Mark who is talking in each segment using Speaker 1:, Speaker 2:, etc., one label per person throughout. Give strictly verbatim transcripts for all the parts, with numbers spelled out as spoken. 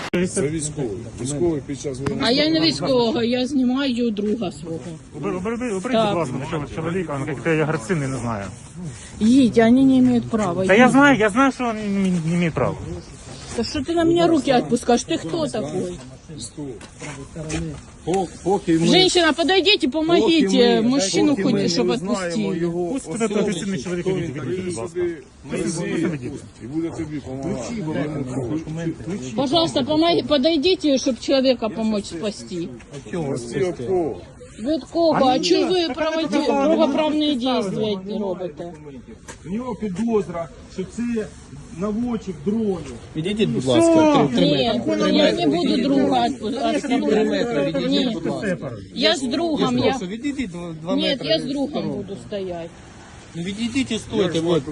Speaker 1: Це військовий. Військовий під час війни.
Speaker 2: А я не військового, я знімаю друга свого.
Speaker 3: Уберите, будь ласка, такого чоловіка, він який агресивний, не знаю.
Speaker 2: Едь, они не имеют права.
Speaker 3: Та я знаю, я знаю, що він не, не має права.
Speaker 2: Да что ты на меня руки отпускаешь? Ты кто такой?
Speaker 1: Поки ми...
Speaker 2: Женщина, подойдите, помогите.
Speaker 1: Поки ми-
Speaker 2: Мужчину
Speaker 1: поки ми
Speaker 2: хоть,
Speaker 1: не
Speaker 2: чтобы
Speaker 1: узнаємо
Speaker 2: отпустили.
Speaker 1: його
Speaker 3: Пусть
Speaker 1: особу,
Speaker 3: буде агресивний чоловік,
Speaker 1: то він
Speaker 3: ідіть,
Speaker 1: приїде
Speaker 3: будь ласка.
Speaker 1: сюди, ми і буде тобі допомагати.
Speaker 2: Пожалуйста, помоги, подойдите, чтобы человека помочь спасти.
Speaker 1: Спасти від кого?
Speaker 2: Від кого? А чого ви проводі- правоправні дії робите?
Speaker 4: У нього підозра, що це наводчик дронів.
Speaker 5: Відійдіть, будь ласка, три
Speaker 2: Ні,
Speaker 5: метри.
Speaker 2: я не буду друга
Speaker 5: Три метри,
Speaker 2: отпускать.
Speaker 5: відійдіть,
Speaker 2: Ні,
Speaker 5: будь ласка.
Speaker 2: я з другом. Я...
Speaker 5: Прошу, відійдіть два, два
Speaker 2: Нет,
Speaker 5: метри.
Speaker 2: я с другом буду стоять.
Speaker 5: Ну відійдіть і стойте, от.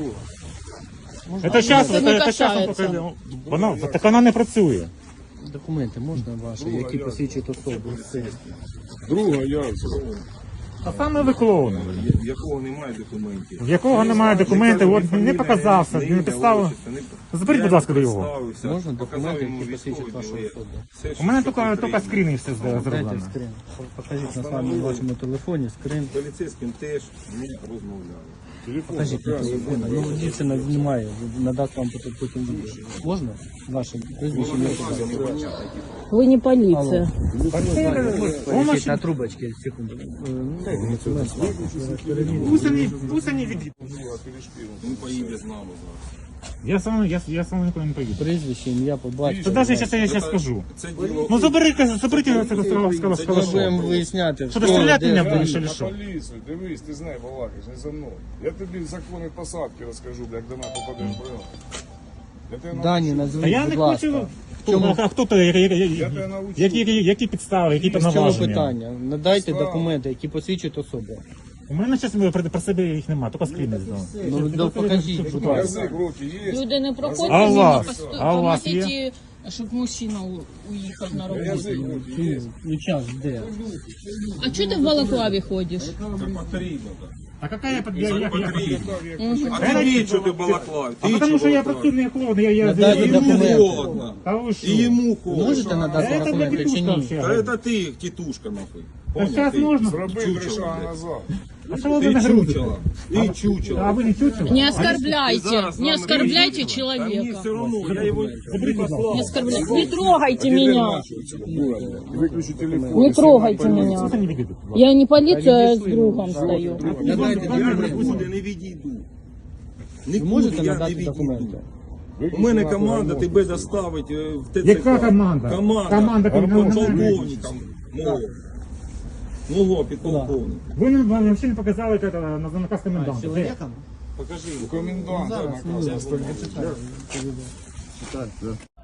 Speaker 3: Це зараз,
Speaker 2: Це не
Speaker 3: це
Speaker 2: касається.
Speaker 3: зараз, вона, так вона не працює.
Speaker 5: Документи можна ваші, які посвідчують особу?
Speaker 1: Друга Ярцева,
Speaker 3: А саме ви клоуни.
Speaker 4: В якого немає документів.
Speaker 3: В якого немає документів, от не показався, не підставив. Заберіть, будь ласка, до його.
Speaker 5: Можна документи, які посвідчують вашу особу?
Speaker 3: У мене тільки, тільки скріни все
Speaker 5: Дайте
Speaker 3: зроблено.
Speaker 5: скрин. Покажіть на самому вашому телефоні скрин.
Speaker 4: З поліцейським теж ми розмовляли.
Speaker 5: Покажіть на телефоні. Ну, дівчина знімає, надасть вам потім потім відео. Можна? Ваше прізвище ім'я, по батькові?
Speaker 2: Вы не полиция.
Speaker 5: Покажіть на трубочці, секунду. Е, ну, дайте мені цю ленту.
Speaker 3: Пусть вони, пусть вони відійдуть.
Speaker 4: Він поїде з нами зараз.
Speaker 3: Я сам, я, я сам ніколи не поїду.
Speaker 5: Прізвище, ім'я, по батькові.
Speaker 3: Та навіть зараз я зараз скажу.
Speaker 4: Це діло...
Speaker 3: Ну забери, заберіть його з цього
Speaker 5: Ми будемо
Speaker 3: скалашова.
Speaker 5: виясняти,
Speaker 3: Що ти стріляти
Speaker 5: де,
Speaker 3: мене
Speaker 5: де.
Speaker 3: будеш чи
Speaker 1: на
Speaker 3: що?
Speaker 1: поліцію, дивись, ти знай, балакаєш, не за мною. Я тобі закони посадки розкажу, бля, як до мене попадеш в прилад. Я тебе
Speaker 5: Дані,
Speaker 1: навчу.
Speaker 3: А я
Speaker 5: назвіть,
Speaker 3: не
Speaker 5: будь ласка.
Speaker 3: хочу. Хто, а хто то, які,
Speaker 1: Я тебе навчу.
Speaker 3: які, які підстави, які
Speaker 5: В чому
Speaker 3: повноваження?
Speaker 5: питання? Надайте
Speaker 1: Підстава.
Speaker 5: документи, які посвідчують особу.
Speaker 3: У мене зараз про, про себе їх немає, тільки скріни знав.
Speaker 5: Ну, да, покажіть, будь ласка.
Speaker 1: Язик, руки є.
Speaker 2: Люди не проходять,
Speaker 3: А у
Speaker 2: мимо,
Speaker 3: вас?
Speaker 2: посто-
Speaker 3: А у вас
Speaker 2: помогите, щоб мужчина у- уїхав на роботу.
Speaker 1: Язик, руки є.
Speaker 5: Ну, час де?
Speaker 2: А чого ти в балаклаві ходиш?
Speaker 4: Це потрібно, так.
Speaker 3: А яка я я, я, я,
Speaker 4: А тобі що ти балаклав?
Speaker 3: А потому що я працюю не холодно, я, я,
Speaker 5: Надайте
Speaker 3: я,
Speaker 4: Йому
Speaker 5: документи.
Speaker 4: холодно.
Speaker 3: Та ви що?
Speaker 4: І йому холодно.
Speaker 5: Можете надати
Speaker 3: Це для
Speaker 5: документи чи
Speaker 3: петушка
Speaker 5: ні?
Speaker 3: взагалі.
Speaker 4: Та це ти, тітушка, нахуй.
Speaker 3: Та
Speaker 4: Поняв?
Speaker 3: зараз
Speaker 4: Ти
Speaker 3: можна.
Speaker 1: Зроби три
Speaker 4: чучело,
Speaker 1: шага
Speaker 4: блядь.
Speaker 1: назад.
Speaker 3: А що ви
Speaker 4: Ти
Speaker 3: не грузите?
Speaker 4: чучело. Ти чучело.
Speaker 3: А ви не чучело?
Speaker 2: Не
Speaker 4: Ти
Speaker 2: оскорбляйте,
Speaker 4: зараз
Speaker 2: не
Speaker 4: нам
Speaker 2: оскорбляйте
Speaker 4: Та мені
Speaker 2: человека.
Speaker 4: все одно, я його послав.
Speaker 2: Не оскорбляйте. Не трогайте меня.
Speaker 1: Виключи телефон.
Speaker 2: Не трогайте меня.
Speaker 3: Це не відійду.
Speaker 2: Я не полиция, а с другом стою.
Speaker 5: Надайте
Speaker 4: Я
Speaker 5: документи.
Speaker 4: нікуди не відійду.
Speaker 5: Ви
Speaker 4: Нікуди
Speaker 5: можете
Speaker 4: я не
Speaker 5: надати
Speaker 4: відійду.
Speaker 5: документи?
Speaker 4: У мене команда тебе доставить е, в ТЦК.
Speaker 3: Яка команда?
Speaker 4: Команда.
Speaker 3: Команда,
Speaker 4: Команда
Speaker 3: команда.
Speaker 4: полковником. Мого. Мого підполковника.
Speaker 3: Ви нам взагалі не показали це, на, на наказ коменданта. Де?
Speaker 4: Покажи.
Speaker 1: Комендант.
Speaker 5: Зараз,